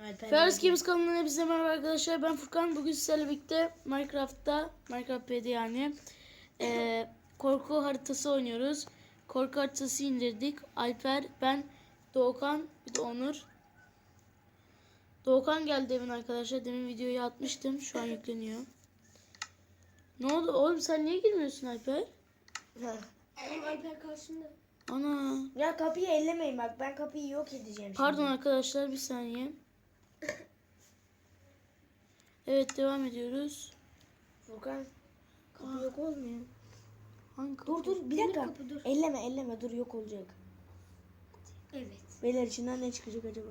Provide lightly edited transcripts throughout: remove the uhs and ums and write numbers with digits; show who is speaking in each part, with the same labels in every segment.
Speaker 1: Ferris Games kanalına hepinize merhaba arkadaşlar. Ben Furkan. Bugün sizlerle birlikte Minecraft PD yani korku haritası oynuyoruz. Korku haritası indirdik. Alper, ben, Doğukan, bir de Onur. Doğukan geldi demin arkadaşlar. Demin videoyu atmıştım. Şu an yükleniyor. Ne oldu oğlum, sen niye girmiyorsun Alper?
Speaker 2: Oğlum Alper karşında.
Speaker 1: Ana.
Speaker 3: Ya kapıyı ellemeyin bak, ben kapıyı yok edeceğim
Speaker 1: Pardon
Speaker 3: şimdi.
Speaker 1: arkadaşlar, bir saniye. Evet, devam ediyoruz.
Speaker 3: Furkan, kapı yok olmuyor.
Speaker 1: Hangi kapı?
Speaker 3: Dur bir dakika. Elleme dur, yok olacak.
Speaker 2: Evet.
Speaker 3: Beyler içinden ne çıkacak acaba?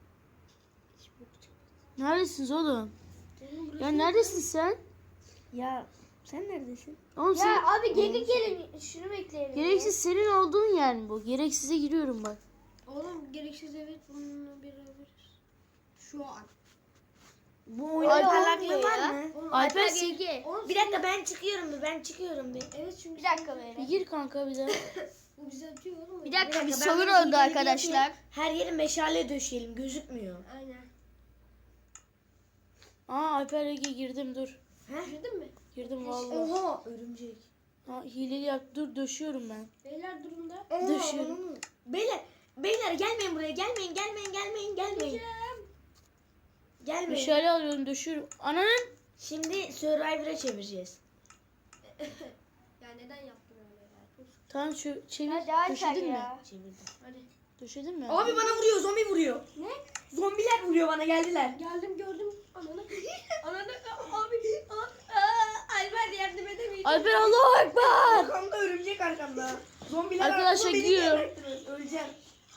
Speaker 1: Neredesiniz oğlum? Ya neredesin sen?
Speaker 3: Ya sen neredesin?
Speaker 1: Oğlum sen...
Speaker 2: Ya abi geri gelin şunu bekleyelim.
Speaker 1: Gereksiz senin olduğun yer mi bu? Gereksize giriyorum bak.
Speaker 2: Oğlum gereksiz evet bununla beraberiz. Şu an.
Speaker 3: Bu oyunun
Speaker 1: Alper
Speaker 3: parlaklığı var mı?
Speaker 2: Oğlum
Speaker 1: Alper
Speaker 2: GG.
Speaker 3: Bir dakika, ben çıkıyorum bir.
Speaker 2: Evet çünkü
Speaker 4: Bir dakika böyle.
Speaker 1: Bir gir kanka bir de.
Speaker 2: bu bize atıyor oğlum.
Speaker 4: Bir dakika bir
Speaker 3: ben
Speaker 4: sorun
Speaker 3: bunu
Speaker 4: oldu
Speaker 3: ileri
Speaker 4: arkadaşlar.
Speaker 3: yapayım. Her yeri meşale döşeyelim, gözükmüyor.
Speaker 2: Aynen.
Speaker 1: Aa, Alper Ege girdim, dur.
Speaker 2: Girdin mi?
Speaker 1: Girdim vallahi.
Speaker 3: Oha, örümcek.
Speaker 1: Ha, hileli yap, dur döşüyorum ben.
Speaker 2: Beyler durun da.
Speaker 1: Döşüyorum.
Speaker 3: Beyler gelmeyin buraya, gelmeyin. Gelmeyin.
Speaker 1: Meşale alıyorum, döşüyorum. Ananın.
Speaker 3: Şimdi Survivor'a çevireceğiz.
Speaker 2: Ya neden yaptın öyle ya? Dur.
Speaker 1: Tamam, çevir.
Speaker 4: Hadi Alper
Speaker 1: Döşedin mi?
Speaker 4: ya.
Speaker 3: Çevirdim.
Speaker 2: Hadi.
Speaker 1: Döşedin mi?
Speaker 3: Abi bana vuruyor, zombi vuruyor.
Speaker 2: Ne?
Speaker 3: Zombiler vuruyor bana, geldiler.
Speaker 2: Geldim gördüm. Ananı. Ananı abi. Alper yardım edemeyeceğim.
Speaker 1: Alper, Allahu Ekber.
Speaker 3: Arkamda örümcek, arkamda. Zombiler
Speaker 1: Arkadaşlar
Speaker 3: arkamda, beni
Speaker 1: gidiyor.
Speaker 3: geberttiniz, öleceğim.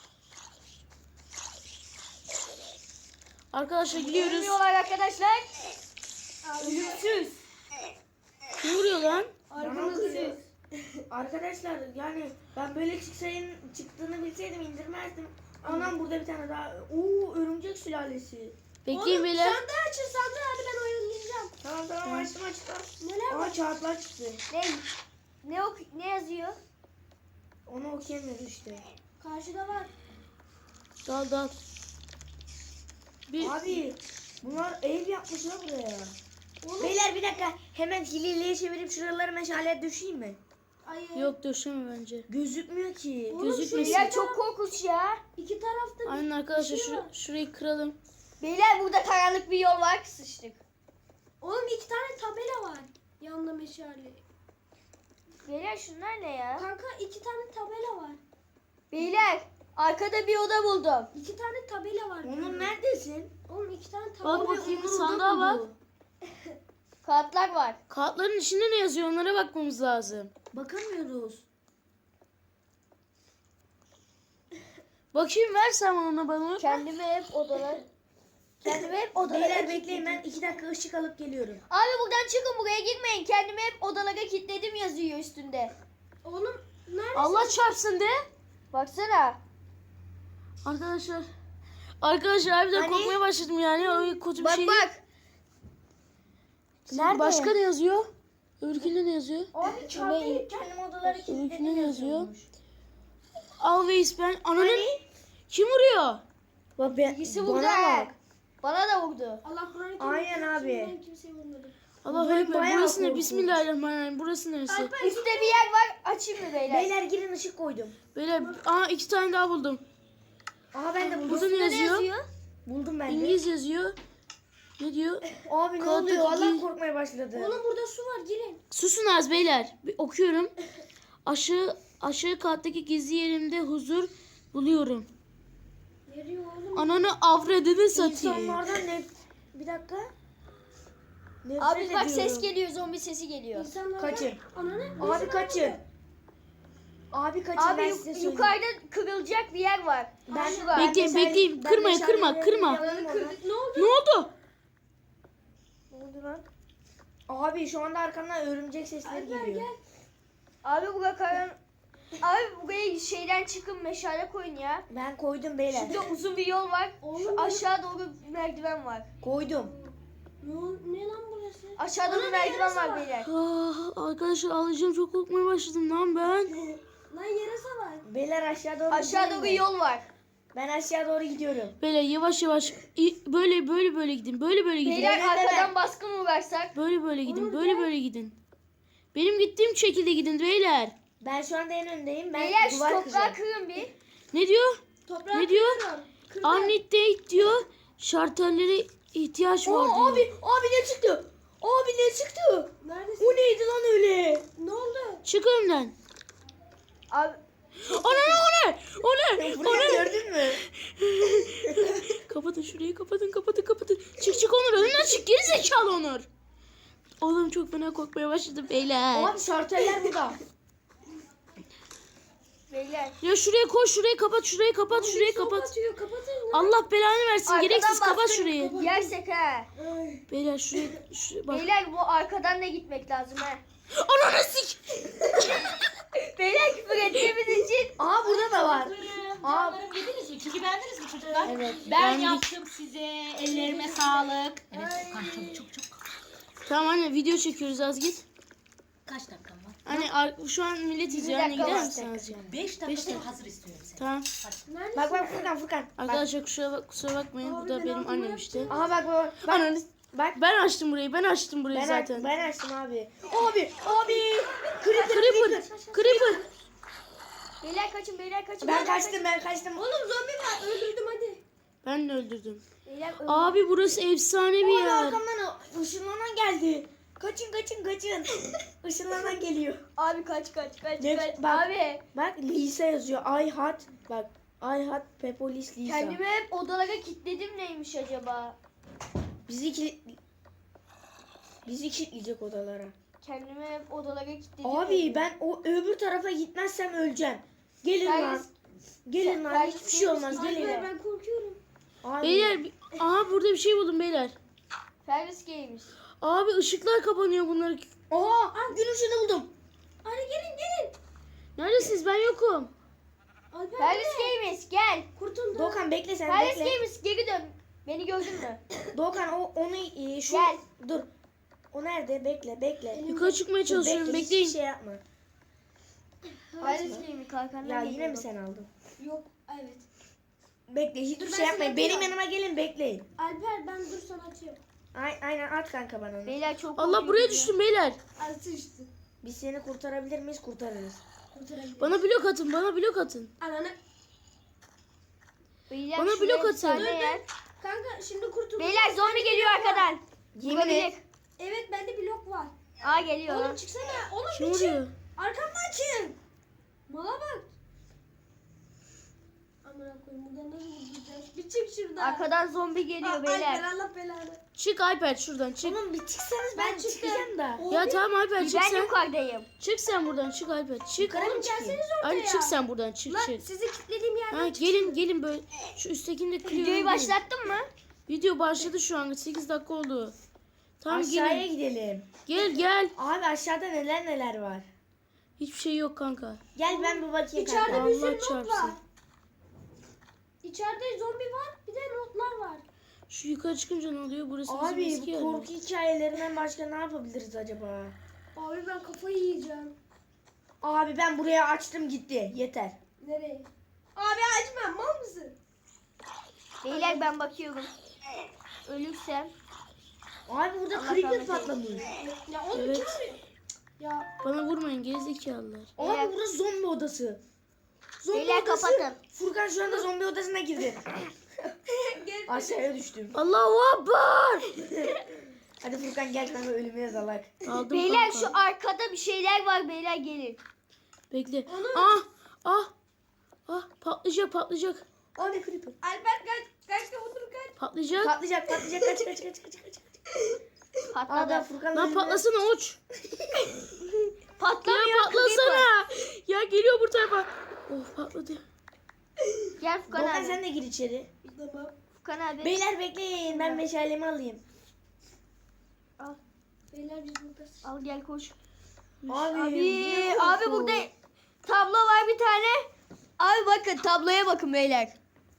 Speaker 1: Arkadaşlar gidiyoruz.
Speaker 4: Ölmüyorlar arkadaşlar.
Speaker 3: Ölümsüz.
Speaker 1: Kim vuruyor lan?
Speaker 2: Arkamızdasınız.
Speaker 3: Arkadaşlar yani ben böyle çıktığını bilseydim indirmezdim. Anam burada bir tane daha. Oo, örümcek sülalesi.
Speaker 1: Bekleyin beyler.
Speaker 2: Sandığı açın sandığı hadi ben oynayacağım.
Speaker 3: Tamam açtım.
Speaker 2: Neler var?
Speaker 3: Aa, kağıtlar çıktı.
Speaker 4: Ne yazıyor?
Speaker 3: Onu okuyamıyoruz işte.
Speaker 2: Karşıda var.
Speaker 1: Dal. Bir
Speaker 3: Abi bunlar ev yapmışlar buraya. Beyler bir dakika, hemen hileliye çevirip şuraları meşale düşeyim mi?
Speaker 2: Ay,
Speaker 1: yok, döşeme bence.
Speaker 3: Gözükmüyor ki.
Speaker 2: Oğlum,
Speaker 1: Gözükmesin.
Speaker 4: Beyler çok korkunç ya.
Speaker 2: İki tarafta
Speaker 1: Aynen arkadaşlar,
Speaker 2: bir şey var.
Speaker 1: şurayı kıralım.
Speaker 4: Beyler burada karanlık bir yol var, sıçtık.
Speaker 2: Oğlum iki tane tabela var. Yanında meşale.
Speaker 4: Beyler şunlar ne ya?
Speaker 2: Kanka iki tane tabela var.
Speaker 4: Beyler arkada bir oda buldum.
Speaker 2: İki tane tabela var.
Speaker 3: Onun neredesin?
Speaker 2: Oğlum iki tane tabela
Speaker 1: Bak
Speaker 2: var.
Speaker 1: bakayım,
Speaker 3: Onur
Speaker 1: sandığa
Speaker 3: orada
Speaker 1: bak.
Speaker 3: buldu.
Speaker 4: Kağıtlar var.
Speaker 1: Kağıtların içinde ne yazıyor, onlara bakmamız lazım.
Speaker 3: Bakamıyoruz.
Speaker 1: Bakayım, ver sen ona bana.
Speaker 4: Kendime hep odalara
Speaker 3: Beyler bekleyin, ben 2 dakika ışık alıp geliyorum.
Speaker 4: Abi buradan çıkın, buraya girmeyin. Kendime hep odalara kilitledim yazıyor üstünde.
Speaker 2: Oğlum nerede?
Speaker 1: Allah çarpsın de.
Speaker 4: Baksana.
Speaker 1: Arkadaşlar harbiden
Speaker 3: Hani?
Speaker 1: korkmaya başladım yani. Öyle kötü bir
Speaker 4: Bak
Speaker 1: şey
Speaker 4: bak.
Speaker 1: değil.
Speaker 4: Nerede?
Speaker 1: Başka ne yazıyor? Öbürkünde ne yazıyor?
Speaker 3: Abi çarptım, kendim odaları
Speaker 1: Öbürkünde
Speaker 3: kilitledim
Speaker 1: ne yazıyor?
Speaker 3: yazıyormuş.
Speaker 1: Always ben. Ananın. Kim vuruyor?
Speaker 3: Bak ben,
Speaker 4: Birisi vurdu.
Speaker 3: bana bak.
Speaker 4: Bana da vurdu.
Speaker 2: Allah Kur'an'ı
Speaker 3: Aynen abi.
Speaker 2: Ben kimseye vurmadım.
Speaker 1: Allah
Speaker 3: Ben
Speaker 1: Ekber.
Speaker 3: bayağı
Speaker 1: Burası ne?
Speaker 3: korkunç.
Speaker 1: Bismillahirrahmanirrahim. Burası neresi?
Speaker 4: Üstte bir yer var. Açayım mı beyler?
Speaker 3: Beyler girin, ışık koydum.
Speaker 1: Böyle 2 tane daha buldum.
Speaker 3: Aha ben de buldum.
Speaker 1: Burada ne yazıyor?
Speaker 3: Buldum ben de.
Speaker 1: İngiliz yazıyor. Ne diyor?
Speaker 3: Abi ne
Speaker 1: Kağıttaki
Speaker 3: oluyor? Allah
Speaker 1: değil.
Speaker 3: korkmaya başladı.
Speaker 2: Oğlum burada su var girin.
Speaker 1: Susun az beyler. Bir okuyorum. Aşağı kattaki gizli yerimde huzur buluyorum.
Speaker 2: Veriyor oğlum.
Speaker 1: Ananı avradını satayım.
Speaker 3: İnsanlardan ne? Bir dakika. Nefret
Speaker 4: Abi bak,
Speaker 3: ediyorum.
Speaker 4: ses geliyor, zombi sesi geliyor.
Speaker 2: İnsanlardan...
Speaker 3: Kaçın.
Speaker 2: Ananı.
Speaker 3: Abi kaçın. Abi kaçın,
Speaker 4: Abi
Speaker 3: ben size söyleyeyim.
Speaker 4: yukarıda kırılacak bir yer var.
Speaker 3: Ben
Speaker 4: Şurada.
Speaker 1: Bekleyin. Kırma.
Speaker 2: Ne oldu?
Speaker 1: Ne oldu?
Speaker 3: Ne oldu lan? Abi şu anda arkamdan örümcek sesleri geliyor.
Speaker 2: Gel.
Speaker 4: Abi Abi buraya şeyden çıkın, meşale koyun ya.
Speaker 3: Ben koydum beyler.
Speaker 4: Şurada uzun bir yol var.
Speaker 2: Oğlum,
Speaker 4: Şu aşağı doğru bir merdiven var.
Speaker 3: Koydum.
Speaker 2: Ne lan burası?
Speaker 4: Aşağıda bir merdiven var beyler.
Speaker 1: Arkadaşlar ağlayacağım, çok korkmaya başladım lan ben.
Speaker 2: Lan yarasa var.
Speaker 3: Beyler aşağı doğru
Speaker 4: Aşağıda
Speaker 3: gidelim
Speaker 4: bir
Speaker 3: mi?
Speaker 4: yol var.
Speaker 3: Ben aşağı doğru gidiyorum.
Speaker 1: Beyler yavaş yavaş böyle gidin. Böyle gidin.
Speaker 4: Beyler
Speaker 3: Evet,
Speaker 4: arkadan
Speaker 3: evet.
Speaker 4: baskın uğrarsak.
Speaker 1: Böyle gidin. Böyle gidin. Benim gittiğim şekilde gidin beyler.
Speaker 3: Ben şu anda en öndeyim. Ben
Speaker 4: Beyler şu
Speaker 3: duvar
Speaker 4: toprağı
Speaker 3: kıracağım.
Speaker 4: kırın bir.
Speaker 1: Ne diyor?
Speaker 2: Toprağı
Speaker 1: Ne diyor?
Speaker 2: kırıyorum. Kırdım.
Speaker 1: Amnite diyor. Şartellere ihtiyaç var diyor.
Speaker 3: Abi ne çıktı? Abi ne çıktı?
Speaker 2: Neredesin?
Speaker 3: O neydi lan öyle?
Speaker 2: Ne oldu?
Speaker 1: Çık önümden.
Speaker 4: Abi
Speaker 1: O ne?
Speaker 3: Burayı gördün mü?
Speaker 1: Kapatın şurayı kapatın. Çık Onur önünden çık geri zekalı Onur. Oğlum çok fena korkmaya başladım beyler.
Speaker 3: Abi şarteller burada.
Speaker 4: beyler.
Speaker 1: Ya şuraya koş şurayı kapat şurayı kapat.
Speaker 2: Kapatıyor. Kapatın.
Speaker 1: Allah belanı versin
Speaker 4: Arkadan
Speaker 1: gereksiz kapat
Speaker 4: baskın
Speaker 1: şurayı.
Speaker 4: Yersek ha.
Speaker 2: Ay.
Speaker 1: Beyler şuraya bak.
Speaker 4: Beyler bu arkadan da gitmek lazım ha.
Speaker 1: Ananı sik.
Speaker 4: Beyler küfür ettiğimiz için.
Speaker 3: Aa burada da var.
Speaker 5: Canlarım yediniz mi? Çünkü beğendiniz mi çocuklar?
Speaker 3: Evet.
Speaker 5: Ben
Speaker 1: beğendik.
Speaker 5: yaptım size. Ellerime sağlık. Evet Furkan çok.
Speaker 1: Tamam anne video çekiyoruz az git.
Speaker 5: Kaç dakikam var?
Speaker 1: Anne şu an millet izliyor anne
Speaker 4: dakika
Speaker 1: gider
Speaker 4: var.
Speaker 1: misin azıcık?
Speaker 5: 5 dakikada hazır istiyorum seni.
Speaker 1: Tamam.
Speaker 2: Neredesin?
Speaker 3: Bak Furkan. Bak.
Speaker 1: Arkadaşlar kusura bakmayın bu da
Speaker 2: ben
Speaker 1: benim
Speaker 2: altıma
Speaker 1: annem işte.
Speaker 3: Aha bak.
Speaker 1: Ananı
Speaker 3: Bak.
Speaker 1: ben açtım burayı zaten.
Speaker 3: Ben açtım abi. Abi.
Speaker 1: Creeper.
Speaker 4: Beyler kaçın beyler kaçın.
Speaker 3: Ben
Speaker 4: beyler
Speaker 3: kaçtım.
Speaker 2: Oğlum zombi var. Öldürdüm hadi.
Speaker 1: Ben de öldürdüm.
Speaker 4: Beyler
Speaker 1: Abi burası efsane bir
Speaker 3: Abi
Speaker 1: yer.
Speaker 3: arkamdan ışınlanan geldi. Kaçın. Işınlanan geliyor.
Speaker 4: Abi kaç.
Speaker 3: Ne- bak.
Speaker 4: Abi
Speaker 3: Bak Lisa yazıyor. I had Pepolis Lisa.
Speaker 4: kendimi hep odalara kilitledim neymiş acaba?
Speaker 3: Bizi kilitleyecek odalara.
Speaker 4: Kendimi hep odalara kilitledim.
Speaker 3: Abi ben o öbür tarafa gitmezsem öleceğim. Gelin lan. Gelin lan.
Speaker 4: Sen-
Speaker 3: Hiçbir şey olmaz.
Speaker 4: sen-
Speaker 3: Gelin.
Speaker 2: Ben korkuyorum.
Speaker 3: Abi.
Speaker 1: Beyler aha burada bir şey buldum beyler.
Speaker 4: Ferris Games.
Speaker 1: Abi ışıklar kapanıyor bunlar.
Speaker 3: Oha! Gün ışığını buldum.
Speaker 2: Hadi gelin.
Speaker 1: Neredesiniz ben yokum.
Speaker 2: Alper
Speaker 4: Ferris Games gel.
Speaker 2: kurtuldu.
Speaker 3: Doğukan bekle sen
Speaker 4: Ferris
Speaker 3: bekle.
Speaker 4: Games geri dön. Beni gördün mü?
Speaker 3: Doğukan onu şu
Speaker 4: Gel.
Speaker 3: dur. O nerede? Bekle.
Speaker 1: Yukarı çıkmaya çalışıyorum
Speaker 3: Bekle,
Speaker 1: bekleyin.
Speaker 3: hiçbir şey yapma.
Speaker 4: Ferris Games kalkandan
Speaker 3: Ya yine
Speaker 4: geliyorum.
Speaker 3: mi sen aldın?
Speaker 2: Yok. Evet.
Speaker 3: Bekle hiçbir
Speaker 2: Dur,
Speaker 3: şey
Speaker 2: ben
Speaker 3: yapmayın.
Speaker 2: sana
Speaker 3: Benim
Speaker 2: atıyorum.
Speaker 3: yanıma gelin bekleyin.
Speaker 2: Alper ben dur sana atıyorum.
Speaker 3: Aynen at kanka bana onu.
Speaker 4: Beyler çok
Speaker 1: Allah
Speaker 4: korkuyorum
Speaker 1: buraya
Speaker 4: ya.
Speaker 1: düştüm beyler.
Speaker 2: Altı üstü.
Speaker 3: Biz seni kurtarabilir miyiz? Kurtarırız.
Speaker 2: Kurtarabilirim.
Speaker 1: Bana blok atın.
Speaker 2: Ananı.
Speaker 4: Beyler
Speaker 1: Bana
Speaker 4: şuraya
Speaker 1: blok atın.
Speaker 4: efsane yer.
Speaker 2: Kanka şimdi kurtuldum.
Speaker 4: Beyler zombi geliyor arkadan.
Speaker 3: Yemin
Speaker 4: Vurabilir.
Speaker 3: et.
Speaker 2: Evet bende blok var.
Speaker 4: Aa geliyor.
Speaker 2: Oğlum çıksana. Oğlum
Speaker 1: Kim
Speaker 2: bir çık.
Speaker 1: vuruyor?
Speaker 2: Arkamdan çık. Mala bak. Amına koyayım buradan nasıl vuracağız? Bir çık şuradan.
Speaker 4: Arkadan zombi geliyor
Speaker 2: Alper
Speaker 4: beyler.
Speaker 2: Allah belanı.
Speaker 1: Çık Alper şuradan çık.
Speaker 3: Oğlum bir çıksanız ben
Speaker 2: Ben çıktım.
Speaker 3: çıkacağım da.
Speaker 1: Ya tamam Alper çık
Speaker 4: Ben
Speaker 1: sen.
Speaker 4: yukarıdayım.
Speaker 1: Çık sen buradan çık Alper. Çık.
Speaker 3: Yukarı mı
Speaker 2: Oğlum
Speaker 3: çıkayım?
Speaker 2: gelseniz ortaya.
Speaker 1: Hadi çık sen buradan çık.
Speaker 2: Lan sizi kilitlediğim yerden
Speaker 1: Ha gelin böyle. Şu üsttekini de kırıyorum.
Speaker 4: Videoyu başlattın mı?
Speaker 1: Video başladı şu an 8 dakika oldu. Tamam
Speaker 3: Aşağıya
Speaker 1: gelin.
Speaker 3: gidelim.
Speaker 1: Gel.
Speaker 3: Abi aşağıda neler var.
Speaker 1: Hiçbir şey yok kanka.
Speaker 3: Gel ben bir bakayım
Speaker 2: İçeride
Speaker 3: kanka.
Speaker 2: bir sürü
Speaker 1: Allah
Speaker 2: not
Speaker 1: çarpsın.
Speaker 2: var. İçeride zombi var. Bir de notlar var.
Speaker 1: Şu yukarı çıkınca ne oluyor? Burası bizim
Speaker 3: Abi
Speaker 1: eski
Speaker 3: bu
Speaker 1: yer.
Speaker 3: korku hikayelerinden başka ne yapabiliriz acaba?
Speaker 2: Abi ben kafayı yiyeceğim.
Speaker 3: Abi ben buraya açtım gitti. Yeter.
Speaker 2: Nereye? Abi açma mal mısın?
Speaker 4: Beyler ben bakıyorum. Ölürsem.
Speaker 3: Abi burada
Speaker 4: Allah
Speaker 3: creeper
Speaker 4: rahmet
Speaker 3: patlamış.
Speaker 2: Ya oğlum
Speaker 1: Evet.
Speaker 2: kim? Ya
Speaker 1: Bana vurmayın gerizekalılar.
Speaker 3: Abi burası zombi odası. Zombi
Speaker 4: Beyler
Speaker 3: odası.
Speaker 4: kapatın.
Speaker 3: Furkan şu anda zombi odasına girdi.
Speaker 2: gel.
Speaker 3: Aşağıya düştüm.
Speaker 1: Allahu Akbar.
Speaker 3: Hadi Furkan gel kanka ölüme yazalak.
Speaker 1: Aldım
Speaker 4: Beyler
Speaker 1: kanka.
Speaker 4: şu arkada bir şeyler var beyler gelin.
Speaker 1: Bekle.
Speaker 2: Onu-
Speaker 1: Ah patlayacak.
Speaker 3: Abi creeper.
Speaker 2: Alper kaç otur kaç.
Speaker 1: Patlayacak.
Speaker 3: Patlayacak kaç.
Speaker 4: Patladı.
Speaker 3: Abi Furkan
Speaker 1: Lan patlasana uç.
Speaker 4: Patlamıyor.
Speaker 1: Ya patlasana. Ya geliyor bu tarafa. Oh patladı.
Speaker 4: Gel Furkan
Speaker 3: Doğukan
Speaker 4: abi.
Speaker 3: sen de gir içeri.
Speaker 2: Tamam.
Speaker 4: Furkan abi.
Speaker 3: Beyler bekleyin ben meşalemi alayım.
Speaker 2: Beyler biz buradayız.
Speaker 4: Al gel koş.
Speaker 3: Abi
Speaker 4: Abi burada tablo var bir tane. Abi bakın tabloya bakın beyler.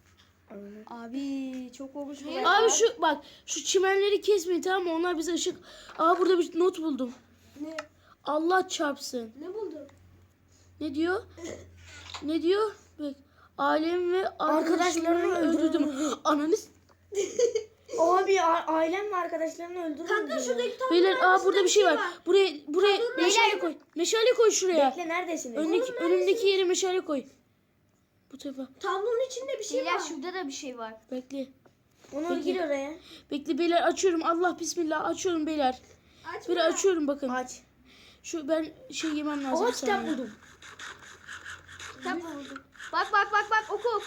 Speaker 4: Abi çok olmuş bu.
Speaker 1: Abi şu çimenleri kesmeyin tamam mı? Onlar bize ışık. Burada bir not buldum.
Speaker 2: Ne?
Speaker 1: Allah çarpsın.
Speaker 2: Ne buldun?
Speaker 1: Ne diyor? Bak. Ailem ve arkadaşlarımı öldürdüm. Ananı
Speaker 3: Abi ailem ve arkadaşlarını öldürdüm.
Speaker 2: Kanka şuradaki top.
Speaker 1: Beyler burada bir şey var. Buraya meşale koy. Meşale koy şuraya.
Speaker 3: Bekle neredesiniz?
Speaker 1: Önündeki yere meşale koy. Bu tarafa.
Speaker 2: Tablonun içinde bir şey
Speaker 4: Beyler
Speaker 2: var.
Speaker 4: şurada da bir şey var.
Speaker 1: Bekle.
Speaker 3: Onur gir oraya.
Speaker 1: Bekle beyler açıyorum. Allah bismillah açıyorum beyler.
Speaker 2: Aç
Speaker 1: Böyle açıyorum bakın.
Speaker 3: Aç.
Speaker 1: Şu ben yemem lazım.
Speaker 3: Aa
Speaker 1: bir
Speaker 3: kitap
Speaker 1: saniye.
Speaker 3: buldum.
Speaker 4: Kitap buldum. Bak oku.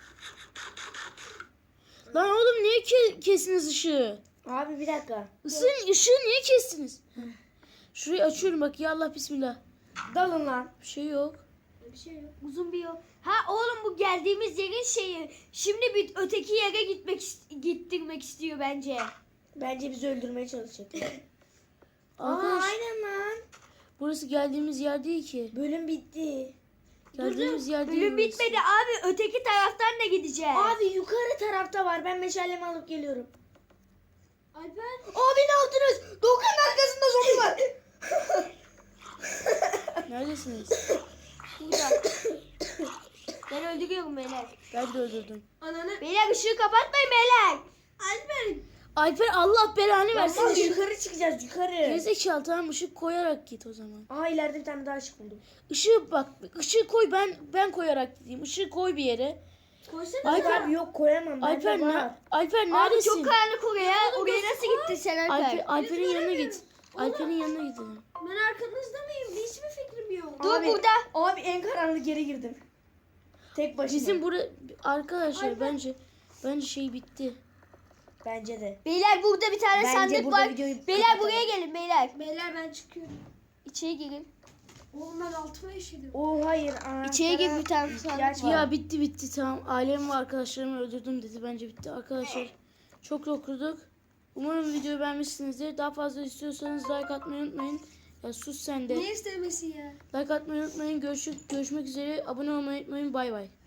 Speaker 1: Lan oğlum niye kestiniz ışığı?
Speaker 3: Abi bir dakika.
Speaker 1: Işığı niye kestiniz? Şurayı açıyorum bak ya Allah bismillah.
Speaker 3: Dalın lan.
Speaker 1: Bir şey yok.
Speaker 2: Bir şey yok.
Speaker 4: Uzun bir yol. Ha oğlum bu geldiğimiz yerin şeyi. Şimdi bir öteki yere gittirmek istiyor bence.
Speaker 3: Bence bizi öldürmeye çalışacak.
Speaker 1: Arkadaş
Speaker 3: Aynen lan.
Speaker 1: burası geldiğimiz yer değil ki.
Speaker 3: Bölüm bitti.
Speaker 1: Geldiğimiz yer değil.
Speaker 4: Bölüm
Speaker 1: burası.
Speaker 4: bitmedi abi. Öteki taraftan da gideceğiz.
Speaker 3: Abi yukarı tarafta var. Ben meşalemi alıp geliyorum.
Speaker 2: Alper.
Speaker 3: Abi ne yaptınız? Doğukan'ın arkasında zombi var.
Speaker 1: Neredesiniz?
Speaker 4: Burada. Ben öldürüyorum beyler.
Speaker 1: Ben de öldürdüm.
Speaker 2: Ananı.
Speaker 4: Beyler ışığı kapatmayın beyler.
Speaker 2: Alper.
Speaker 1: Alper Allah belanı versin.
Speaker 3: Abi yukarı çıkacağız yukarı.
Speaker 1: Gerizekalı tamam ışık koyarak git o zaman.
Speaker 3: Aa ileride bir tane daha ışık buldum.
Speaker 1: Işığı koy ben koyarak gideyim. Işığı koy bir yere.
Speaker 2: Koysana.
Speaker 1: Alper
Speaker 3: Abi yok koyamam.
Speaker 1: Alper
Speaker 3: Bende var.
Speaker 1: Alper
Speaker 4: Abi
Speaker 1: neredesin?
Speaker 4: çok karanlık oraya. Oraya nasıl gittin sen Alper?
Speaker 1: Alper'in yanına git. Alper'in yanına gidelim.
Speaker 2: Ben arkanızda mıyım? Hiçbir fikrim yok.
Speaker 4: Dur
Speaker 3: Abi-
Speaker 4: burada.
Speaker 3: Abi en karanlık yere girdim. Tek başıma.
Speaker 1: Bizim arkadaşlar bence şey bitti.
Speaker 3: Bence de.
Speaker 4: Beyler burada bir tane
Speaker 3: Bence
Speaker 4: sandık
Speaker 3: burada
Speaker 4: var.
Speaker 3: videoyu
Speaker 4: Beyler
Speaker 3: kapatalım.
Speaker 4: buraya gelin beyler.
Speaker 2: Beyler ben çıkıyorum.
Speaker 4: İçeri girin.
Speaker 2: Oğlum ben altıma işedim.
Speaker 3: Hayır.
Speaker 4: İçeri gir
Speaker 3: anahtara
Speaker 4: bir tane
Speaker 3: ihtiyaç
Speaker 4: sandık
Speaker 3: var.
Speaker 1: Ya bitti tamam. Ailemi ve arkadaşlarımı öldürdüm dedi. Bence bitti. Arkadaşlar çok okuduk. Umarım videoyu beğenmişsinizdir. Daha fazla istiyorsanız like atmayı unutmayın. Ya sus sen de.
Speaker 2: Ne istemesi ya?
Speaker 1: Like atmayı unutmayın. Görüşmek üzere. Abone olmayı unutmayın. Bay bay.